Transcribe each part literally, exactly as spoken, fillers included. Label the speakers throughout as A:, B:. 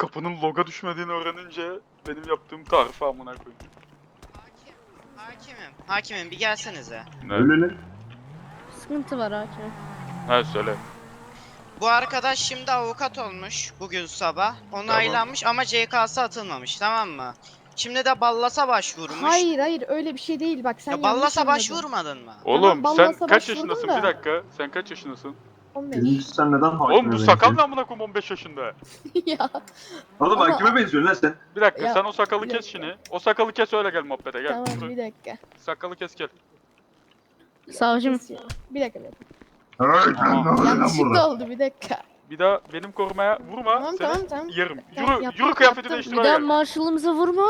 A: kapının loga düşmediğini öğrenince benim yaptığım tarifi amına koyayım.
B: Hakim, hakimim, hakimim bir gelsenize.
A: Ne?
C: Öyle ne?
D: Sıkıntı var hakim.
A: Ha söyle.
B: Bu arkadaş şimdi avukat olmuş bugün sabah. Onaylanmış ama C K'sı atılmamış, tamam mı? Şimdi de Ballas'a başvurmuş.
E: Hayır hayır öyle bir şey değil bak sen
B: Ya
E: yanlış
B: Ballas'a
E: anladın.
B: başvurmadın mı?
A: Oğlum
E: Tamam,
A: sen
E: Ballas'a
A: kaç
E: başvurdum
A: yaşındasın?
E: da.
A: Bir dakika. Sen kaç yaşındasın?
E: on beş.
C: Birincisi sen neden hakime
A: Oğlum bu sakal
C: benziyorsun?
A: ne amına koyayım on beş yaşında?
E: Ya.
C: Oğlum
E: Ama-
C: hakime benziyorsun lan sen.
A: Bir dakika
E: Ya,
A: sen o sakalı
E: bir
A: kes
E: dakika.
A: şimdi. O sakalı kes öyle gel muhabbete gel.
E: Tamam
A: Yürü.
E: bir dakika.
A: Sakalı kes gel.
D: Savcım.
E: Kesiyorum. Bir dakika bir dakika.
C: Hey sen ne oluyor lan
E: Yanlışlıkla
C: burada?
E: oldu bir dakika.
A: Bir daha benim korumaya vurma.
E: Tamam
A: seni
E: tamam tamam.
A: yerim.
E: Tamam,
A: Yürü,
E: yaptım,
A: yürü kıyafeti
E: yaptım.
A: değiştir
D: Bir
A: öyle
D: daha
A: gel.
D: marşalımıza vurma.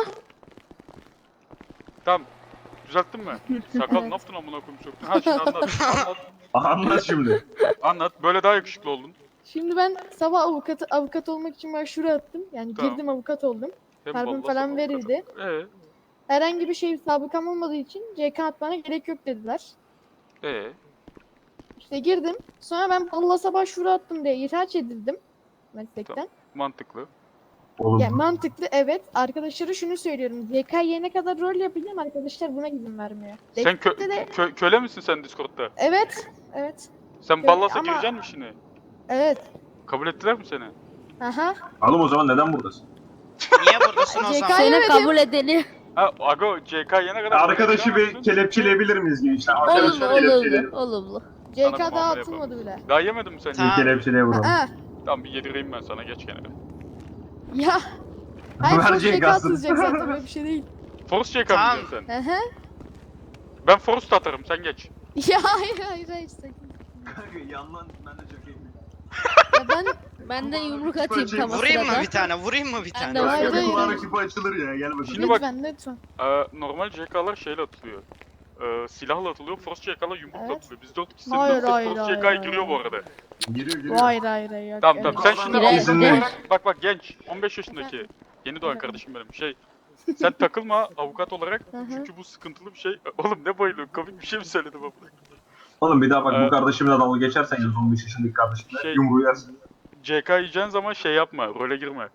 A: Tamam. Düzelttin mi? Sakal ne yaptın amına koyayım söktün. Ha şimdi anlat. Anlat.
C: Anlat şimdi.
A: Anlat. Böyle daha yakışıklı oldun.
E: Şimdi ben sabah avukatı avukat olmak için başvuru attım. Yani
A: Tamam.
E: girdim avukat oldum.
A: Hem
E: Karbon
A: ballasa
E: falan
A: hem
E: verildi.
A: avukata. Ee,
E: Herhangi bir şey sabıkam olmadığı için C K atmana gerek yok dediler.
A: ee.
E: İşte girdim. Sonra ben Ballas'a başvuru attım diye ihraç edildim meslekten.
A: Mantıklı.
C: Oğlum
E: Yani mantıklı evet. Arkadaşlara şunu söylüyorum. Y K yene kadar rol yapacağım. Arkadaşlar buna izin vermiyor.
A: Sen kö
E: Destekte de
A: kö köle misin sen Discord'da?
E: evet. Evet.
A: Sen
E: Kö-
A: Ballas'a
E: ama-
A: gireceksin mi şimdi?
E: Evet.
A: Kabul ettiler mi seni?
E: Aha.
C: oğlum o zaman neden buradasın?
B: Niye buradasın o
E: C K
B: zaman?
E: Hayır,
D: Seni
E: evet,
D: kabul edeni.
A: Ha Ago C K yene kadar
C: Arkadaşı bir
A: Çünkü
C: kelepçeleyebilir miyiz gençler?
D: Olumlu
C: Arkadaşlar
D: olumlu
C: kelepçeleyelim.
D: olumlu.
E: C
A: Sana
E: K
A: bir
E: daha
A: muamele
E: atılmadı bile.
A: Daha yemedin mi sen?
B: Tamam.
C: Bir kelepçeleye vuralım.
E: Aa.
A: Tamam bir yedireyim ben sana geç kenara.
E: Ya. Hayır
C: Ver
E: çok
C: C
E: C K
C: K'sını.
E: atılacak zaten böyle bir şey değil.
A: Force C K mı
B: Tamam.
A: diyorsun sen?
E: Aha.
A: Ben Force atarım sen geç.
E: Ya hayır hayır hayır sakın.
C: Yandan ben de çok iyi.
E: Ya ben
D: Ben de yumruk atayım tam o
B: Vurayım mı
D: sırada.
B: bir tane? Vurayım mı bir
D: Ben
B: tane?
D: de
E: Hayır,
C: Kanka bir
E: hayır,
C: kulağına
E: hayır.
C: küpü açılır ya gel bakalım.
A: Şimdi bak-
E: lütfen lütfen.
A: Ee, normal C K'lar şeyle atılıyor. Ee, silahla atılıyor, Force C K'lar yumrukla
E: Evet.
A: atılıyor. Biz dört kişi
E: Hayır,
A: dört
E: hayır,
A: Force
E: hayır,
A: C K'ya
E: hayır,
A: giriyor bu
E: hayır.
A: arada.
C: Giriyor giriyor.
E: Hayır hayır hayır. yok,
A: Tamam
E: öyle
A: tamam
E: bir
A: sen
E: şey.
A: şimdi
D: Girer,
A: avukat
D: girer.
A: olarak bak bak genç on beş yaşındaki yeni doğan
E: Efendim?
A: kardeşim benim şey sen takılma avukat olarak
E: Hı hı.
A: çünkü bu sıkıntılı bir şey. Oğlum ne bayılıyorsun komik bir şey mi söyledim abla?
C: Oğlum bir daha bak
A: Evet.
C: bu kardeşimle dalga geçersen yalnız on beş yaşındaki kardeşimle
A: Şey-
C: yumruğu yersin.
A: C K yiyeceğin zaman şey yapma role girme.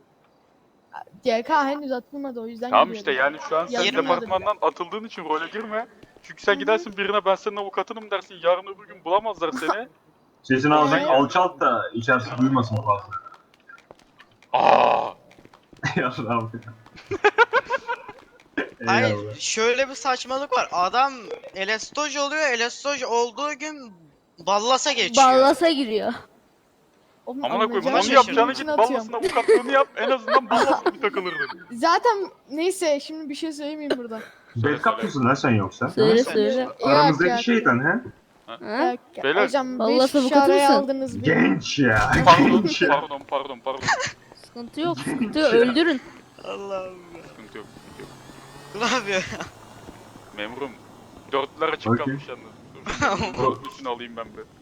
E: C K henüz atılmadı o yüzden
A: Tamam
E: giriyorum.
A: işte yani şu an sen
E: Yarın
A: departmandan atıldığın için role girme. Çünkü sen
E: Hı hı.
A: gidersin birine ben senin avukatınım dersin yarın öbür gün bulamazlar seni.
C: Sesini alacaksın
E: Hayır.
C: alçalt da içerisi duymasın fazla.
A: Aa!
C: Ya Rabbi.
B: Hayır
C: Eyvallah.
B: şöyle bir saçmalık var. Adam elastoj oluyor. Elastoj olduğu gün Ballas'a geçiyor.
D: Ballasa giriyor.
E: Oğlum,
A: Amına koyayım
E: anlayacağım
A: onu
E: şey
A: yapacağına
E: için
A: git
E: atıyorum.
A: ballasın avukatlığını yap en azından ballasın bir takılırdın.
E: Zaten neyse şimdi bir şey söylemeyeyim burada.
C: Backup mısın lan sen yoksa?
D: Söyle
B: Sen-
D: söyle.
E: Yok,
C: Aramızdaki
E: yok.
C: şeytan he?
D: Ha?
E: Yok, yok.
A: Beyler,
E: Hocam
D: vallahi
E: beş kişi
D: avukatı
E: araya
D: mısın?
E: aldınız beni.
C: Genç ya.
A: Pardon
C: Genç ya.
A: pardon pardon pardon.
D: Sıkıntı yok sıkıntı yok öldürün.
B: Allah'ım
A: Sıkıntı yok sıkıntı yok.
B: ya. Ne yapıyor?
A: Memurum. Dörtler açık
C: Okey.
A: kalmış yalnız. Dur, Dörtlüsünü alayım ben bir.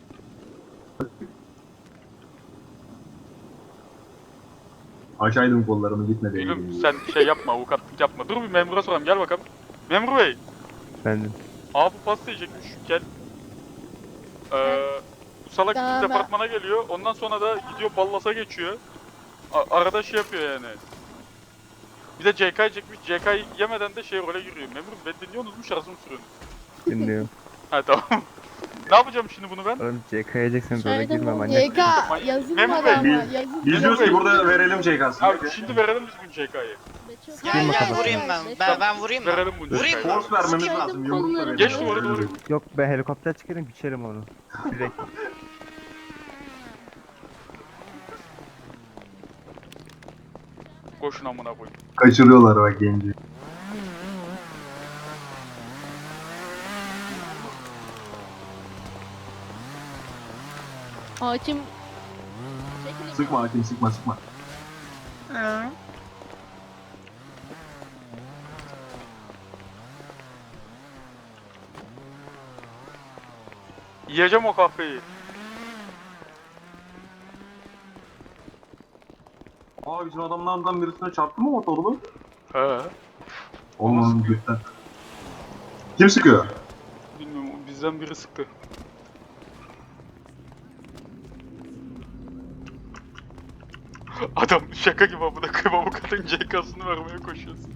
C: Açaydım kollarımı gitme değil.
A: Gülüm sen şey yapma avukatlık yapma. Dur bir memura soralım gel bakalım. Memur bey.
F: Efendim.
A: Abi bu pasta yiyecekmiş gel. Ee, bu salak bizim
E: Tamam.
A: departmana geliyor. Ondan sonra da gidiyor ballasa geçiyor. A- arada şey yapıyor yani. Bir de C K yiyecekmiş. C K yemeden de şey role giriyor. Memurum ben dinliyorsunuz mu şarjımı sürüyorsunuz?
F: Dinliyorum.
A: Ha tamam. Ne yapacağım şimdi bunu ben?
F: Oğlum C K yiyeceksen role
D: Şöyle
F: girme
D: mi?
F: manyak.
E: Y K yazılmadı
A: Memur Bey,
E: ama
C: biz-
E: yazılmadı.
C: Biz diyoruz ki burada verelim C K'sını.
A: Abi şimdi verelim biz bunu C K'yı.
B: Gel
F: Vurma
B: gel
F: kafasına.
B: vurayım ben. Ben, ben vurayım mı?
A: Verelim bunu C
B: Vurayım
A: K'yı.
B: mı?
C: Force vermemiz
B: Sıkayım mı?
C: lazım. Yumrukla verelim.
A: Geç duvara doğru.
F: Yok ben helikopter çıkarım biçerim onu. Direkt.
A: Koşun amına koyayım.
C: Kaçırıyorlar bak genci.
D: Hakim.
C: Sıkma hakim sıkma sıkma.
A: Yiyeceğim o kahveyi.
C: Aa bizim adamlardan birisine çarptı mı motorlu?
A: He.
C: Oğlum onun gökten. Kim sıkıyor?
A: Bilmiyorum bizden biri sıktı. Adam şaka gibi amına koyayım avukatın C K'sını vermeye koşuyorsun.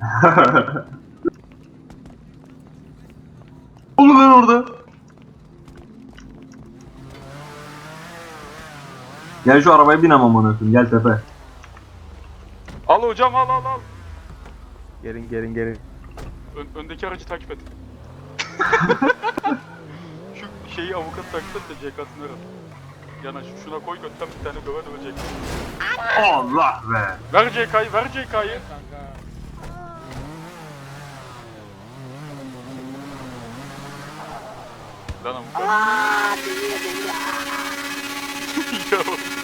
C: Oğlum ben orada. Gel şu arabaya bin ama amına koyayım. Gel tepe.
A: Al hocam al al al.
F: Gelin gelin gelin.
A: Ön, öndeki aracı takip et. Şu şeyi avukat takip et de C K'sını ver. Yanaş şuna koy götten bir tane döve döve C K.
C: Allah be.
A: Ver C K'yı ver C K'yı. Lan avukat. Ya,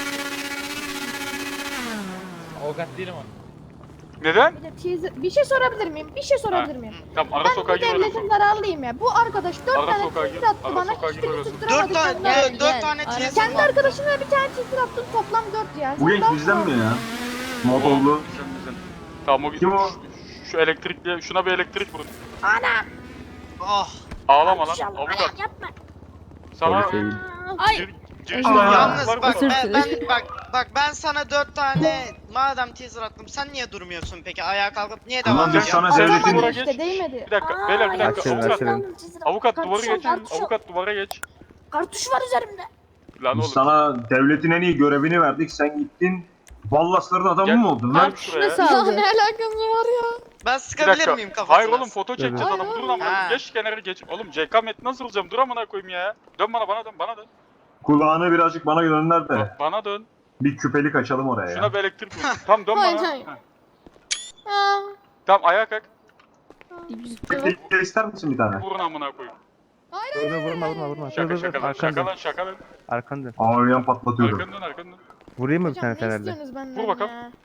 G: Avukat değilim o.
A: neden?
E: Bir de teaser- Bir şey sorabilir miyim? Bir şey sorabilir miyim?
A: Tamam ara
E: Ben
A: sokağa
E: bu
A: gir öyle
E: devletin zararlıyım ya. Bu arkadaş dört
A: Ara
E: tane
A: sokağa
E: teaser
A: gir,
E: attı
A: ara
E: bana.
A: sokağa gir
E: Hiçbirini
A: orası.
B: Dört
E: tutturamadık.
B: tane,
E: yanına.
D: Gel,
B: dört, dört
D: gel.
B: tane
D: Ara-
B: teaser
E: Kendi
B: var.
E: arkadaşına bir tane teaser attın toplam dört ya.
C: Bu
E: Sen
C: genç
E: daha
C: bizden
E: fazla.
C: mi ya? Motorlu.
A: Bizden bizden. Tamam o
C: Kim o?
A: Şu, şu elektrikli şuna bir elektrik vurun.
E: Ana!
B: Oh.
A: Ağlama lan
E: İnşallah.
A: avukat.
E: Yapma.
A: Sana
F: Polis değil.
D: Ay.
A: gir, giriş
E: Aa.
A: var
B: Yalnız
A: mı?
B: bak
D: Özür
B: ben,
D: dilerim.
B: ben bak bak ben sana dört tane madem teaser attım sen niye durmuyorsun peki ayağa kalkıp niye
C: Ulan
B: devam
C: biz
B: ediyorsun?
C: sana
A: Sen
C: devletin...
A: duvara
E: işte
A: geç.
E: değmedi.
A: Bir dakika
E: Aa,
A: beyler bir dakika
F: Açılın,
A: avukat.
F: açılın.
A: Avukat duvarı
E: Kartuşum,
A: geçin.
E: kartuşum.
A: Avukat duvara geç.
E: Kartuş var üzerimde.
A: Lan
C: Biz
A: oğlum.
C: sana devletin en iyi görevini verdik. Sen gittin. Ballasların adamı
A: Gel.
C: mı oldun
A: Gel
C: lan?
A: şuraya.
D: Nasıl
E: Ya
D: aldın?
E: ne alakası var ya?
B: Ben
A: Bir
B: sıkabilir
A: dakika.
B: miyim kafasına?
A: Hayır oğlum foto çekeceğiz
E: Hayır,
A: adamı. Dur
E: hayır.
A: lan
B: Ha.
A: bana. Geç kenara geç. Oğlum C K metni nasıl alacağım? Dur amına koyayım ya. Dön bana bana dön bana dön.
C: Kulağını birazcık bana gönder de.
A: Ba- Bana dön.
C: Bir küpelik açalım oraya ya.
A: Şuna bir elektrik vur. Tamam dön
E: Hayır,
A: bana.
E: hayır.
A: Heh.
E: Aa,
A: Tamam ayağa kalk.
C: Bir de ister misin bir tane?
A: Vurun amına koyayım.
F: Vurma vurma vurma vurma. Dur
A: Şaka
F: dur dur.
A: şaka lan
F: Arkandan.
A: şaka lan şaka lan.
F: Arkandan.
C: Ağlayan patlatıyordum.
A: Arkandan arkandan.
F: Vurayım mı bir
E: hocam
F: tane
E: ne
F: fenerle?
E: istiyorsunuz benden
A: Vur bakalım.
E: ya?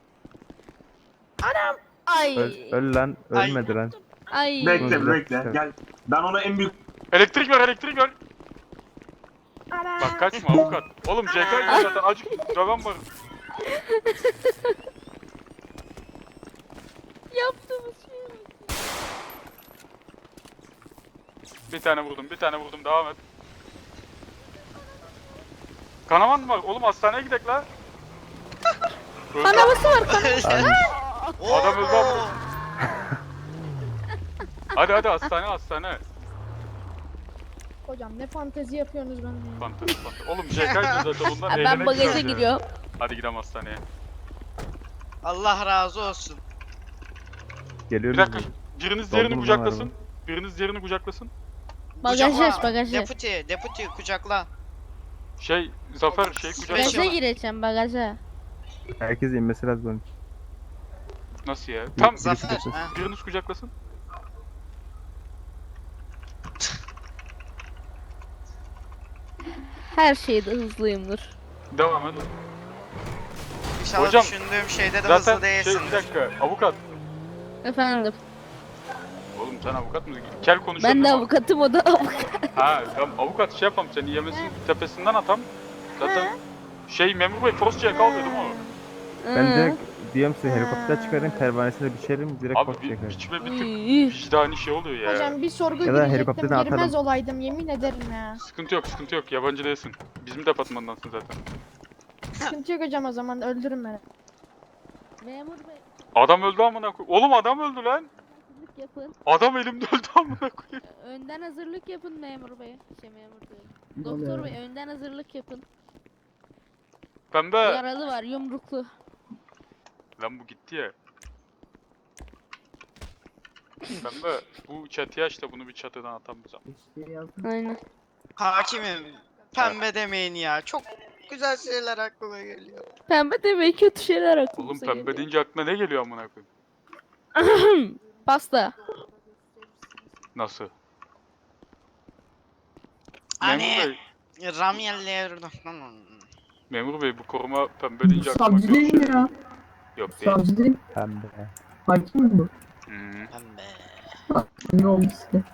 D: Ay.
F: Öl, öl lan.
B: Ay.
F: Ölmedi lan.
D: Ay.
C: Bekle
F: Dur,
C: bekle
F: dur.
C: gel. Ben ona en büyük...
A: Elektrik ver elektrik ver.
E: Ana.
A: Bak kaçma avukat. Oğlum C K zaten acık döven var.
D: Yaptığımız şey.
A: Bir tane vurdum bir tane vurdum devam et. Kanaman mı var? Oğlum hastaneye gidek la. Öldü.
E: Kanaması var kan.
A: Adam öldü ama. Hadi hadi hastane hastane.
E: Hocam ne fantezi yapıyorsunuz benden ya.
A: Fantezi fantezi. Oğlum C K zaten bundan
D: Ha, ben
A: eğlenek
D: bagaja
A: biraz ya.
D: giriyorum.
A: Hadi gidelim hastaneye.
B: Allah razı olsun.
A: Bir
F: Geliyoruz.
A: dakika.
F: biz.
A: Biriniz
F: Doldurun
A: diğerini
F: lan
A: kucaklasın.
F: arabayı.
A: Biriniz diğerini kucaklasın.
D: Bagajı
B: Kucakla.
D: aç bagajı.
B: Deputy, deputy kucakla.
A: Şey Zafer şey kucaklasın.
B: Beş-
D: Bagaja gireceğim bagaja.
F: Herkes inmesi lazım onun.
A: Nasıl ya? Tam
B: Zafer.
F: kucaklasın.
B: ha.
A: biriniz kucaklasın.
D: Her şeyde hızlıyımdır.
A: Devam et.
B: İnşallah
A: Hocam,
B: düşündüğüm şeyde de
A: Zaten
B: hızlı
A: şey bir
B: değilsindir.
A: dakika avukat.
D: Efendim.
A: Oğlum sen avukat mısın? Kel konuşuyorsun.
D: Ben de
A: ama-
D: avukatım o da avukat.
A: Ha tamam avukat şey yapalım seni yemesin tepesinden atam. Zaten şey memur bey Frost C K alıyor değil mi o?
F: Ben
D: Hı.
F: direkt diyorum size helikopter çıkarayım pervanesine biçerim direkt
A: Abi
F: post
A: bir,
F: çekerim.
A: biçme bir tık
D: Uy.
A: vicdani şey oluyor ya.
E: Hocam bir sorgu
F: Ya da
E: girecektim
F: helikopterden
E: girmez
F: atalım.
E: olaydım yemin ederim ya.
A: Sıkıntı yok sıkıntı yok yabancı değilsin. Bizim departmandansın zaten.
E: Sıkıntı yok hocam o zaman öldürün beni.
D: Memur bey.
A: Adam öldü amına koy. Oğlum adam öldü lan.
D: Hazırlık yapın.
A: Adam elimde öldü amına koyayım.
D: Önden hazırlık yapın memur bey. Şey memur bey. Doktor bey önden hazırlık yapın.
A: Pembe.
D: Yaralı var yumruklu.
A: Lan bu gitti ya. Pembe bu çatıya işte bunu bir çatıdan atamayacağım.
D: Aynen.
B: Hakimim. Pembe demeyin ya. Çok güzel şeyler aklıma geliyor.
D: Pembe demeyi kötü şeyler
A: Oğlum
D: aklımıza
A: pembe
D: geliyor.
A: deyince aklına ne geliyor amına koyayım?
D: Pasta.
A: Nasıl?
B: Hani
A: Memur bey,
B: Ramyel'le
A: memur bey bu koruma pembe deyince aklıma
H: Savcı
A: kötü
H: değil
A: şey.
H: mi ya?
A: Yok değil.
H: Savcı değil.
F: Pembe.
H: Hakim mi bu?
A: Hmm.
B: Pembe.
H: Ne oldu size?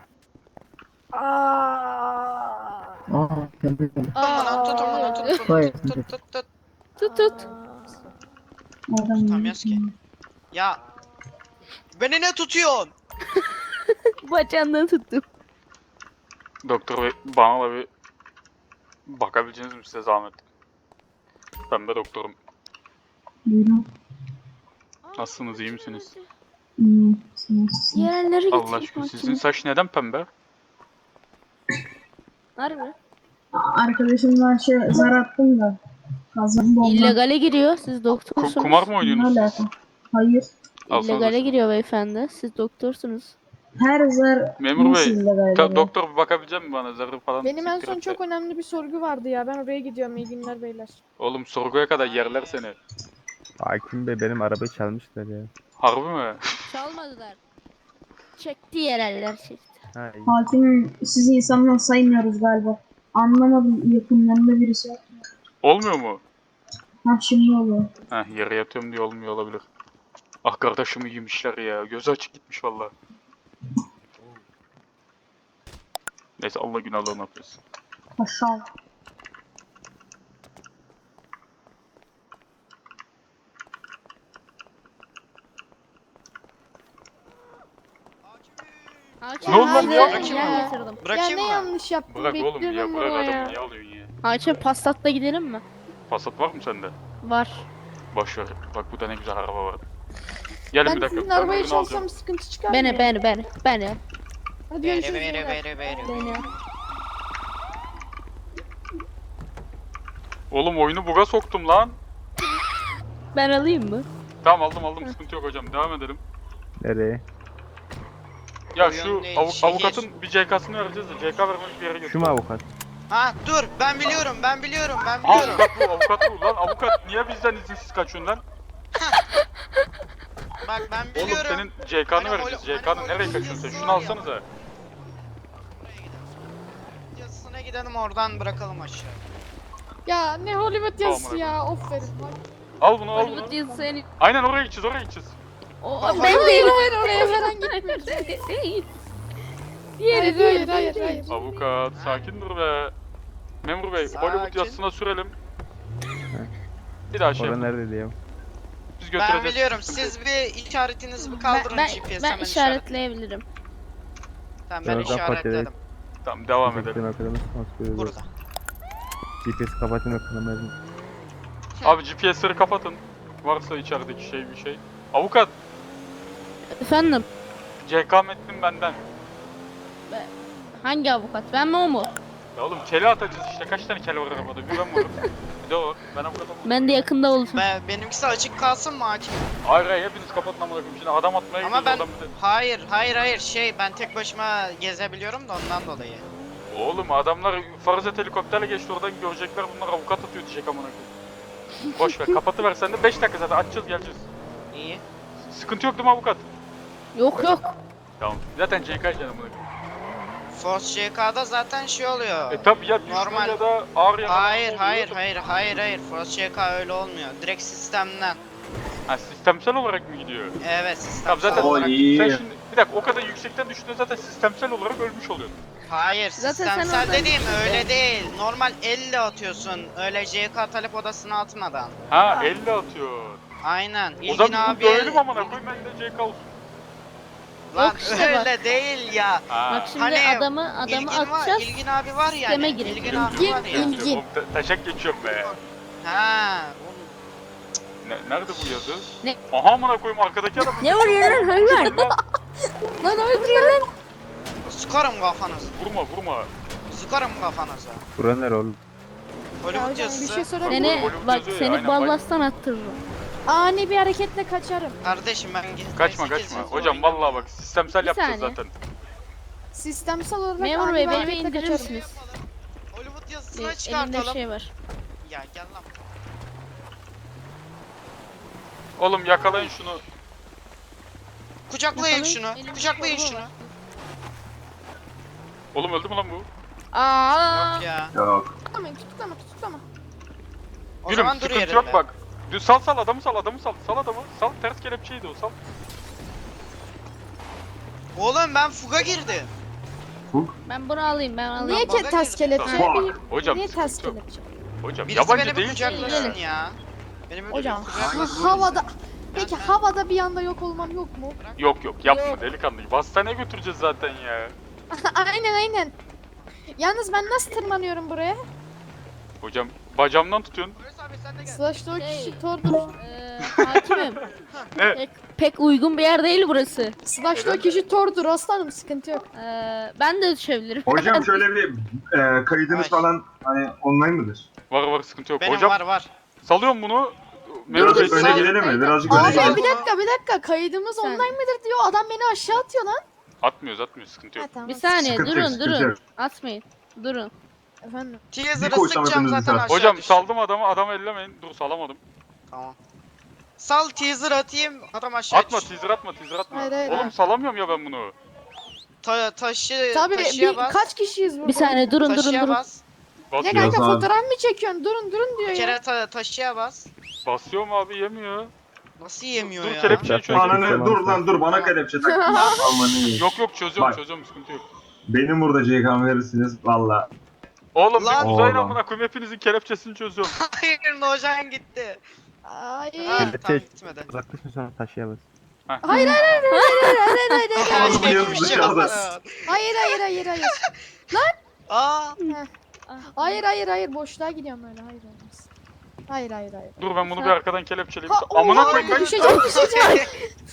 H: Aa, pembe pembe.
B: Aman tut aman tut tut
H: Hayır.
B: tut tut tut tut.
D: Tut tut.
B: Tutamıyoruz ki. Ya. Beni ne tutuyorsun?
D: Bacağından tuttum.
A: Doktor bey bana da bir bakabileceğiniz mi size zahmet? Pembe doktorum.
H: Buyurun.
A: Nasılsınız, iyi misiniz?
H: İyiyim. Siz nasılsınız?
D: Yerlere
A: Allah
D: getirmiş
A: aşkına sizin
D: mahkeme.
A: saç neden pembe?
D: Harbi.
H: Arkadaşımdan şey zar attım da. Kazandım ondan.
D: İllegale giriyor. Siz
A: Ku-
D: doktorsunuz.
A: kumar mı
H: Ne
A: oynuyorsunuz
H: alaka?
A: siz?
H: Hayır.
A: Alsanıza
D: İllegale
A: şunu.
D: giriyor beyefendi. Siz doktorsunuz.
H: Her zar
A: Memur
H: nasıl
A: bey,
H: illegal
A: Ta-
H: oluyor?
A: doktor bir bakabilecek mi bana zarı falan?
E: Benim en
A: siktir
E: son
A: et de.
E: çok önemli bir sorgu vardı ya. Ben oraya gidiyorum. İyi günler beyler.
A: Oğlum sorguya kadar yerler seni.
F: Hakim Bey benim arabayı çalmışlar ya.
A: Harbi mi?
D: Çalmadılar. Çekti yereller çekti.
F: Ha iyi.
H: Hakim sizi insandan saymıyoruz galiba. Anlamadım, yakınlarında birisi yok.
A: Olmuyor mu?
H: Ha şimdi oluyor.
A: Heh, yere yatıyorum diye olmuyor olabilir. Ah kardeşimi yemişler ya. Gözü açık gitmiş valla. Neyse Allah günahlarını affetsin.
H: Aşağı.
D: Hakim
A: Ne oldu lan
D: size
A: ya?
B: Bırakayım
D: yer
B: mı?
D: getirdim.
E: Ya
B: Bırakayım
E: ne
B: mı?
E: yanlış yaptım?
A: Bırak oğlum ya,
E: Bekliyorum
A: bırak
E: buraya.
A: adamı, niye alıyorsun ya?
D: Hakim Passat'la gidelim mi?
A: Passat var mı sende?
D: Var.
A: Boş ver. Bak burada ne güzel araba var. Gelin
E: Ben
A: bir dakika.
E: sizin
A: ben
E: arabayı
A: ürünü alacağım.
E: çalsam sıkıntı çıkar mı?
D: Beni
E: ya?
D: beni beni beni.
E: Hadi
B: Bere
E: görüşürüz.
B: bere
E: beyler.
B: bere bere.
D: Beni.
A: Oğlum oyunu buga soktum lan.
D: Ben alayım mı?
A: Tamam aldım aldım, sıkıntı yok hocam. Devam edelim.
F: Nereye?
A: Ya
B: Oyun
A: şu
B: değil,
A: avu-
B: şehir.
A: avukatın bir C K'sını vereceğiz de C K vermemiş bir yere götür.
F: Şu mu avukat?
B: Ha dur ben biliyorum ben biliyorum ben
A: Aa,
B: biliyorum.
A: avukat bu, avukat bu lan. Avukat niye bizden izinsiz kaçıyorsun lan?
B: Bak ben
A: Oğlum
B: biliyorum.
A: senin C K'nı
B: Hani
A: vereceğiz.
B: holo-
A: C K'nı
B: hani
A: nereye
B: holo
A: kaçıyorsun sen?
B: videosu
A: Şunu
B: var ya.
A: alsanıza.
B: Yazısına gidelim oradan bırakalım aşağı.
E: Ya ne Hollywood yazısı
A: Tamam,
E: ya. Of verin.
A: Al bunu al
D: Hollywood
A: bunu.
D: yazısı seni.
A: Aynen oraya gideceğiz oraya gideceğiz.
D: O
B: Hayır,
D: ben değilim.
E: Hayır oraya falan gitmiyoruz.
D: Değil.
E: Hayır
D: Diğeri
E: hayır
D: diğeri
E: hayır
D: diğeri.
E: hayır.
A: Avukat sakin dur be. Memur bey
B: Sakin.
A: Hollywood yazısına sürelim. Bir daha şey
F: Orada
A: yapalım.
F: nerede diye.
A: Biz
B: Ben
A: götüreceğiz.
B: biliyorum siz bir işaretinizi bir
D: Ben,
B: kaldırın
D: ben,
B: G P S'e
D: ben
B: hemen
D: işaretleyebilirim.
B: Tamam ben
F: Birazdan
B: işaretledim.
A: Tamam devam edelim.
F: Teşekkür ederim arkadaşlar.
B: Burada.
F: G P S kapatın bakalım.
A: Abi G P S'leri kapatın. Varsa içerideki şey bir şey. Avukat
D: Efendim
A: C K metnin benden.
D: hangi avukat? Ben mi o mu?
A: Ya oğlum kele atacağız işte. Kaç tane kele var arabada? Bir ben varım. Bir de o var. Ben avukatım.
D: Ben de yakında olacağım.
B: Ben, benimkisi açık kalsın mı hakim?
A: Hayır hayır hepiniz kapatın amına koyayım. Şimdi adam atmaya
B: Ama ben
A: gidiyoruz adam bir de-
B: hayır hayır hayır şey ben tek başıma gezebiliyorum da ondan dolayı.
A: Oğlum adamlar Farzet helikopterle geçti oradan görecekler bunlar avukat atıyor diyecek amına koyayım. Boş ver kapatıver sen de beş dakika zaten açacağız geleceğiz.
B: İyi.
A: Sıkıntı yok değil mi avukat?
D: Yok yok.
A: Tamam. Zaten C K canım amına koyayım.
B: Force C K'da zaten şey oluyor.
A: E tabi ya düşme
B: Normal.
A: ya da ağır yaralı
B: Hayır
A: oluyor
B: hayır
A: da-
B: hayır hayır hayır Force C K öyle olmuyor. Direkt sistemden.
A: Ha sistemsel olarak mı gidiyor?
B: Evet sistemsel
A: Tamam zaten
C: O
B: olarak.
C: iyi.
A: sen şimdi bir dakika o kadar yüksekten düştüğünde zaten sistemsel olarak ölmüş oluyorsun.
B: Hayır
D: Zaten sen
B: sistemsel
D: oradan
B: dediğim
D: gittin.
B: öyle değil. Normal elle atıyorsun. Öyle C K talep odasına atmadan.
A: Ha elle atıyor.
B: Aynen.
A: O
B: İlgin
A: zaman
B: abi.
A: bunu görelim amına koyayım ben de C K olsun.
B: Lan
D: Yok işte bak.
B: öyle değil ya.
A: Ha.
D: Bak şimdi
B: Hani
D: adamı adamı
B: İlgin var,
D: atacağız.
B: İlgin abi var ya.
D: Sisteme
B: Yani.
D: girecek.
B: İlgin abi
E: İlgin,
B: var ya.
E: İlgin.
A: Oğlum, ta- taşak geçiyorum be.
B: Ha.
A: Ne, nerede bu yazı?
D: Ne?
A: Aha amına koyayım arkadaki adam.
D: Ne vuruyor lan hayvan? Lan öldürüyor lan.
B: Sıkarım kafanızı.
A: Vurma vurma.
B: Sıkarım kafanızı.
F: Bura nere oğlum?
E: Ya
B: Hollywood
E: hocam bir
B: yazısı.
E: şey sorabilir
D: Seni
E: miyim?
A: Hollywood
D: bak
A: yazıyor ya,
D: seni
A: aynen,
D: ballastan attırırım.
E: Ani bir hareketle kaçarım.
B: Kardeşim ben G T A
A: Kaçma
B: sekiz
A: kaçma.
B: yazısı
A: Hocam
B: oynuyorum.
A: vallahi bak sistemsel
D: Bir
A: yapacağız
D: saniye.
A: zaten.
E: Sistemsel olarak
D: Memur
E: ani
D: bey
E: bir
D: beni bir
E: hareketle
D: indirir
E: kaçarım.
D: misiniz?
B: Hollywood
D: Ee,
B: yazısına
D: Elimde
B: çıkartalım.
D: şey var.
B: Ya gel lan.
A: Oğlum yakalayın şunu.
B: Kucaklayın
D: Yakalayın,
B: şunu.
D: elimde
B: Kucaklayın
D: torba
B: şunu.
D: var.
A: Oğlum öldü mü lan bu?
D: Aa.
B: Yok ya.
C: Yok.
E: Tutuklama tutuklama tutuklama.
B: O
A: Gülüm
B: zaman dur
A: sıkıntı
B: yerinde.
A: yok bak. Düz sal sal adamı sal adamı sal. Sal adamı. Sal ters kelepçeydi o sal.
B: Oğlum ben fuga girdim.
D: Ben bunu alayım ben alayım.
E: Niye
B: baga
E: ki ters
B: girdim.
E: kelepçe?
C: Fuck.
A: Hocam
E: Niye ters
A: sıkıntı yok.
E: kelepçe?
A: Hocam
B: Birisi
A: yabancı
B: beni bir
A: değil.
B: kucaklasın ya. Benim öyle
E: Hocam
B: bir
E: ha-
B: kucaklasın.
E: havada Peki
B: Ben-
E: havada bir anda yok olmam yok mu?
A: Yok yok yapma
E: Yok.
A: delikanlı. Hastaneye götüreceğiz zaten ya.
E: aynen aynen. Yalnız ben nasıl tırmanıyorum buraya?
A: Hocam bacağımdan tutuyorsun.
B: Polis abi sen de gel.
E: Slash'ta o
D: Şey,
E: kişi tordur.
D: Eee hakimim.
A: Ne?
D: Pek, pek uygun bir yer değil burası.
E: Slash'ta o kişi tordur aslanım, sıkıntı yok.
D: Eee ben de düşebilirim.
C: Hocam şöyle bir e, kaydınız
B: Ay.
C: falan hani online mıdır?
A: Var var sıkıntı yok.
B: Benim
A: Hocam
B: var var.
A: salıyorum bunu. Memur
C: Birazcık
A: Bey
C: öne
B: sağ-
C: gidelim mi? Birazcık
E: Abi
C: öne
B: Abi,
C: gidelim.
E: bir dakika bir dakika, kaydımız
D: Sen-
E: online midir diyor, adam beni aşağı atıyor lan.
A: atmıyoruz atmıyoruz sıkıntı
E: Ha,
A: yok.
E: tamam.
D: Bir saniye
C: Sıkıntı yok,
D: durun
C: sıkıntı
D: durun.
C: yok.
D: Atmayın. Durun.
E: Efendim.
B: Teaser'ı
C: Bir koysam
B: sıkacağım
C: hepinizi
B: zaten
C: sağ-
B: aşağı
A: Hocam
B: düştü.
A: saldım adamı adamı ellemeyin. Dur salamadım.
B: Tamam. Sal teaser atayım adam aşağı
A: Atma
B: düştü.
A: teaser atma teaser atma.
E: Hayır, hayır,
A: Oğlum
E: hayır.
A: salamıyorum ya ben bunu.
B: Ta taşı
E: Tabii
B: taşıya
E: bir,
B: bas.
E: kaç kişiyiz burada?
D: Bir saniye durun durun
B: taşıya
D: durun.
B: bas.
E: Ne
A: Basıyorum.
E: kanka,
C: abi.
E: fotoğraf mı çekiyorsun? Durun durun diyor
B: Bir
E: ya.
B: kere ta taşıya bas.
A: Basıyorum abi yemiyor.
B: Nasıl yemiyor
A: Dur
B: ya?
A: kelepçeyi çözüyorum.
C: Ananı dur lan dur bana kelepçe tak. Aman iyi.
A: Yok yok çözüyorum
C: Bak.
A: çözüyorum sıkıntı yok.
C: Benim burada C K'mı verirsiniz valla.
A: Oğlum
B: Lan.
A: bir uzayın
C: Oğlum.
A: amına koyayım hepinizin kelepçesini çözüyorum.
B: Hayır Nojan gitti.
E: Hayır.
B: Ha,
F: Kelepçe-
B: tamam gitmedi.
F: Uzaklaşın sonra taşıyamaz.
E: Hayır hayır hayır hayır hayır hayır hayır hayır
C: Oğlum,
E: hayır
C: yürü
B: Bir şey
C: dışarıda.
B: yapma.
E: hayır hayır hayır hayır
B: Aa.
E: hayır hayır hayır boşluğa gidiyorum öyle, hayır olmaz. Hayır hayır hayır.
A: Dur ben bunu bir arkadan kelepçeleyeyim.
E: Ha,
A: Amına
E: oha,
A: koyayım ben.
E: düşeceğim düşeceğim.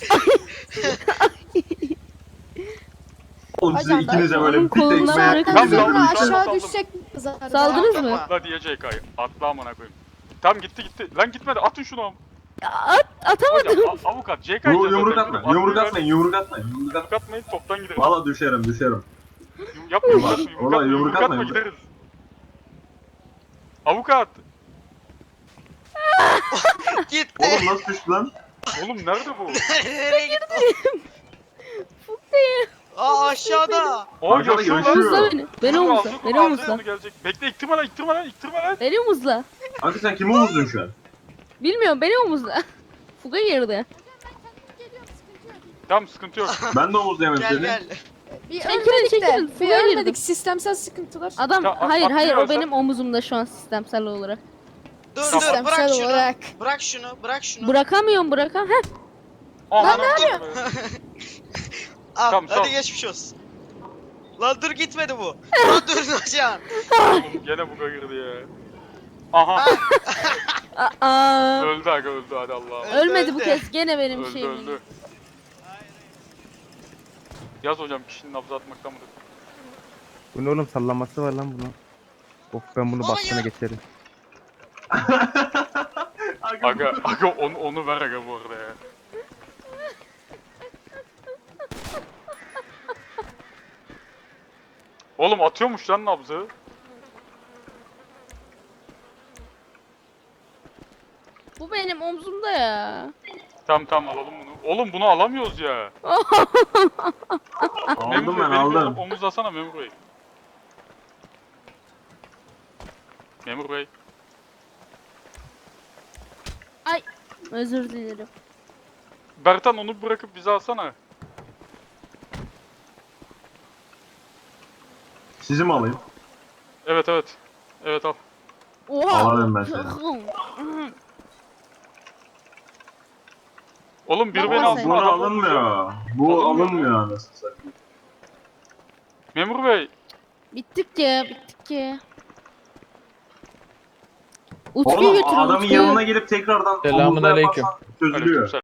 C: Oğlum size
E: Hocam,
C: ikinize
D: ben
C: böyle
D: onun
C: bir tekme
D: koluna
C: yapayım.
A: Tam
E: Zaten
A: daldım,
E: sonra
A: saldım,
E: aşağı
A: saldım.
E: düşecek zaten.
D: Saldınız mı?
B: Atma.
A: Atla diye C K'yı. Atla amına koyayım. Tamam gitti gitti. Lan gitmedi atın şunu am.
D: At, atamadım.
A: Hocam a- avukat C K'yı
C: Yu- Yumruk atma, yumruk atmayın, yumruk atmayın, yumruk atmayın.
A: Yumruk atmayın toptan gideriz.
C: Valla düşerim, düşerim.
A: Yum- Yapma yumruk atma yumruk
C: Ulan
A: atma
C: yumruk
A: yumruk atma
C: atma.
A: gideriz. Avukat.
B: Gitti.
C: Oğlum nasıl düştü lan?
A: Oğlum nerede bu?
B: Nereye gitti? Aa aşağıda.
A: O
C: Arkada
A: yaşıyor lan.
C: yaşıyor.
D: Omuzla beni. Beni
A: Dur,
D: omuzla.
A: alacak,
D: Beni
A: alacak,
D: omuzla.
A: onu gelecek. Bekle iktirme lan iktirme lan iktirme lan.
D: Beni omuzla.
C: Kanka sen kimi omuzdun şu an?
D: Bilmiyorum beni omuzla. Fuga girdi.
A: Tamam sıkıntı yok.
C: Ben de omuzlayamam
B: Gel
C: seni.
B: gel.
E: Bir
D: Çekilin,
E: ölmedik de.
D: çekilin,
E: Bir
D: suya
E: ölmedik,
D: girdim.
E: sistemsel sıkıntılar.
D: Adam
A: Ya, a-
D: hayır hayır o
A: atlıyorsan-
D: benim omuzumda şu an sistemsel olarak.
B: Dur dur
E: Sistemsel
B: bırak şunu.
E: olarak.
B: Bırak şunu bırak şunu.
D: Bırakamıyorum bırakam. Heh.
A: Aman
E: ne
A: Allah'ım.
B: Al
A: Tamam,
B: hadi
A: sağ ol.
B: geçmiş olsun. Lan dur gitmedi bu. Lan dur Nojan.
A: Oğlum gene buga girdi ya. Aha
D: Aa,
A: öldü aga öldü hadi Allah'ım.
B: Öldü,
D: ölmedi bu
B: öldü.
D: kez. Gene benim
A: Öldü
D: şeyim.
A: öldü. Yaz hocam kişinin nabzı atmaktan mıdır?
F: Bu ne oğlum, sallaması var lan bunun. Of ben bunu
B: Hayır.
F: bastığına geçerim.
A: Aga aga onu, onu ver aga bu arada ya. Oğlum atıyormuş lan nabzı.
D: Bu benim omzumda ya.
A: Tamam tamam alalım bunu. Oğlum bunu alamıyoruz ya. Memur
C: Aldım
A: Bey,
C: ben
A: beni bir
C: aldım.
A: omuzlasana Memur Bey. Memur Bey.
D: Özür dilerim.
A: Bertan onu bırakıp bizi alsana.
C: Sizi mi alayım?
A: Evet evet. Evet al.
D: Oha.
C: Alalım ben seni.
A: Oğlum biri
D: Baba
A: beni
D: sen-
A: alsın.
C: Bu
A: adam
C: alınmıyor. Bu
A: Alınmıyor mu?
C: alınmıyor anasını satayım.
A: Memur Bey.
D: Bittik ya bittik ya. Utku'yu
C: Oğlum
D: götürün
C: adamın
D: Utku'yu.
C: yanına gelip tekrardan
G: Selamun
C: omuzla
G: aleyküm.
C: yaparsan çözülüyor.
A: Aleykümselam.